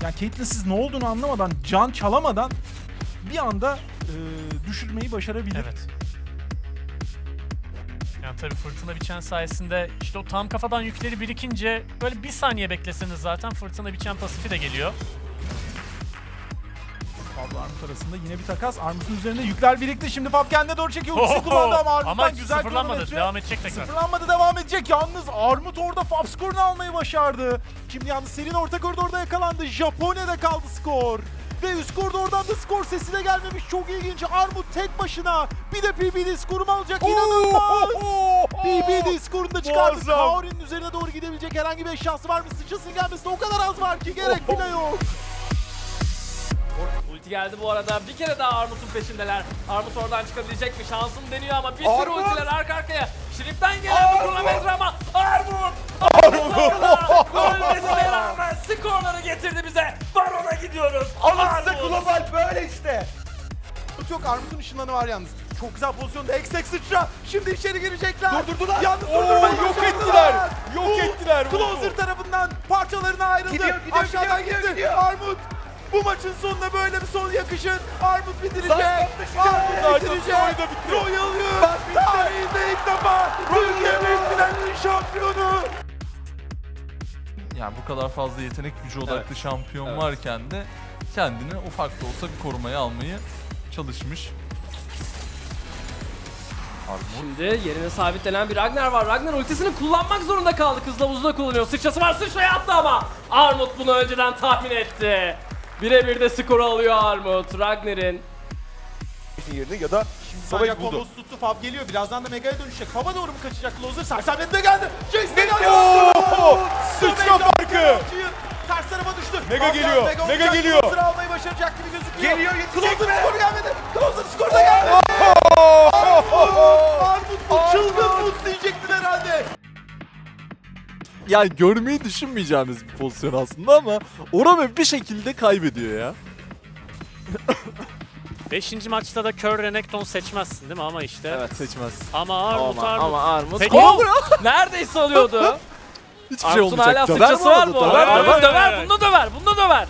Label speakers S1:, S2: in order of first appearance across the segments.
S1: Yani Caitlyn'siz ne olduğunu anlamadan, can çalamadan bir anda düşürmeyi başarabilir.
S2: Evet. Yani tabii fırtına biçen sayesinde işte o tam kafadan yükleri birikince böyle bir saniye bekleseniz zaten fırtına biçen pasifi de geliyor.
S1: Fabla Armut arasında yine bir takas. Armut'un üzerinde yükler birikti. Şimdi Fab kendine doğru çekiyor. Ultisi kullandı ama Armut'tan
S2: ama
S1: güzel
S2: sıfırlanmadı.
S1: kronometre.
S2: Devam edecek tekrar.
S1: Sıfırlanmadı, devam edecek. Yalnız Armut orada Fab skorunu almayı başardı. Şimdi yalnız Serin orta koridorda yakalandı. Japonya'da kaldı skor. Ve üst koridordan da skor sesi de gelmemiş. Çok ilginç. Armut tek başına. Bir de PBD skorumu alacak. İnanılmaz. PBD skorunu da çıkardı.
S3: Muazzam.
S1: Kaori'nin üzerine doğru gidebilecek herhangi bir eşyası var mı? Sıçrasının gelmesine o kadar az var ki gerek bile yok.
S4: Ulti geldi bu arada. Bir kere daha Armut'un peşindeler. Armut oradan çıkabilecek mi? Şansını deniyor ama bir sürü ultiler arka arkaya. Şirip'ten gelen bir kronometre ama Armut! Ölmesine rağmen skorları getirdi bize. Baron'a gidiyoruz.
S3: Alın size global böyle işte.
S1: Yok, Armut'un ışınlanı var yalnız. Çok güzel pozisyonda Eksek sıçra. Şimdi içeri girecekler.
S3: Durdurdular.
S1: Yalnız
S3: Oo,
S1: durdurmayı
S3: yok
S1: başardılar.
S3: ettiler. Yok ettiler.
S1: Closer tarafından parçalarına ayrıldı.
S3: Gidiyor,
S1: Aşağıdan
S3: gidiyor,
S1: gitti.
S3: gidiyor.
S1: Armut bu maçın sonuna böyle bir son yakışır. Armut bitirecek.
S3: Zaten
S1: Armut bitirecek. Royal Youth tarihinde ilk defa Türkiye Büyük Final'in şampiyonu.
S5: Yani bu kadar fazla yetenek gücü odaklı şampiyon varken de kendini ufak da olsa bir korumaya almayı çalışmış. Armut.
S4: Şimdi yerine sabitlenen bir Ragnar var. Ragnar ultisini kullanmak zorunda kaldı. Kızılavuzu da kullanıyor. Sıçrası var, sıçraya attı ama Armut bunu önceden tahmin etti. Birebir de skoru alıyor Armut. Ragnar'ın
S3: Yerine ya da
S1: Savaş
S3: savaş buldu.
S1: kombosu tuttu. Fab geliyor. Birazdan da Mega'ya dönüşecek. Fab'a doğru mu kaçacak Closer? Sersemlet de geldi. Jace de geldi.
S3: Sıçra farkı.
S1: Ters tarafa düştü.
S3: Mega
S1: Fab
S3: geliyor,
S1: Mega
S3: Mega
S1: olacak.
S3: geliyor.
S1: Closer almayı başaracak gibi gözüküyor.
S3: Geliyor, yetecek
S1: Closer
S3: mi?
S1: skoru gelmedi. Closer skoru da geldi. Armut bu çılgın mut diyecektin herhalde.
S6: Yani görmeyi düşünmeyeceğimiz bir pozisyon aslında ama Orame bir şekilde kaybediyor ya.
S2: 5. maçta da Kör Renekton seçmezsin değil mi ama işte.
S6: Evet seçmez.
S2: Ama Armut
S4: ama Armut
S2: Peki.
S4: neredeyse alıyordu.
S6: Hiçbir şey
S4: Armut'un hala
S6: olmayacak. Döver
S4: sıçrası var
S6: mi
S4: bu
S6: arada?
S4: arada.
S6: Döver mi?
S4: Döver, bunu döver, bunu döver.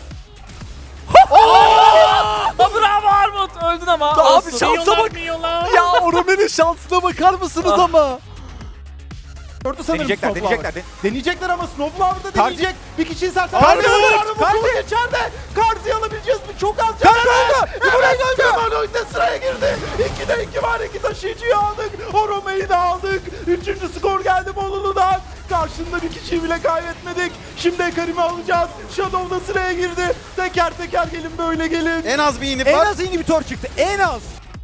S4: Bravo Armut, öldün ama.
S6: Abi şansa bak.
S2: Milyonlar.
S6: Ya Orame'nin şansına bakar mısınız ama?
S1: Gördü sanırım
S3: Deneyecekler,
S1: Snowflower.
S3: deneyecekler.
S1: Deneyecekler ama Snowflower da
S3: Karzi.
S1: deneyecek. Bir kişiyi zaten.
S3: Karzi.
S1: Karzi içeride. Karzi'yi alabileceğiz mi? Çok az can. Evet. Kemal oyunda sıraya girdi. 2'de 2 var. 2 taşıyıcıyı aldık. Orome'yi de aldık. 3. skor geldi Bolulu'dan. Karşında bir kişiyi bile kaybetmedik. Şimdi Ekarim'i alacağız. Shadow da sıraya girdi. Teker teker gelin, böyle gelin.
S3: En az bir inhib
S1: En
S3: var.
S1: az inhibitor çıktı. En az.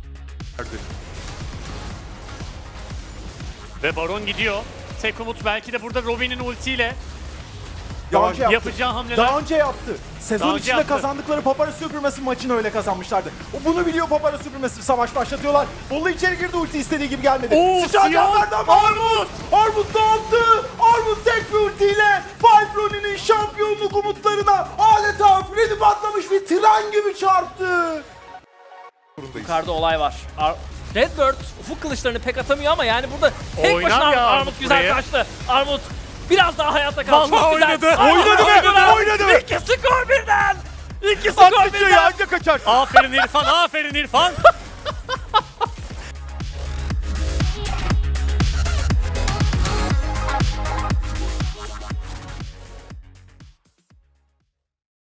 S2: Ve Baron gidiyor. Tek umut belki de burada Robin'in ultiyle
S1: Daha önce yaptı.
S2: yapacağı hamleler.
S1: Daha önce yaptı. Sezon
S2: Daha önce
S1: içinde
S2: yaptı.
S1: kazandıkları Papara Süpürmesi maçını öyle kazanmışlardı. O bunu biliyor, Papara Süpürmesi savaş başlatıyorlar. Bolu içeri girdi, ulti istediği gibi gelmedi.
S2: Oo,
S1: Sıçan
S2: siyah.
S1: verdi ama Armut! Armut dağıttı! Armut tek bir ultiyle Falbroni'nin şampiyonluk umutlarına adeta freni patlamış bir tren gibi çarptı.
S4: Yukarıda olay var. Redbird ufuk kılıçlarını pek atamıyor ama yani burada tek
S2: Oynar
S4: başına
S2: ya
S4: Armut
S2: Armut
S4: güzel
S2: burayı.
S4: kaçtı. Armut biraz daha hayatta kaldı.
S2: Vallahi
S4: Çok güzel.
S2: oynadı.
S3: Oynadı.
S4: 2 skor birden. 2 skor birden.
S3: Anca kaçar.
S2: Aferin İrfan, aferin İrfan.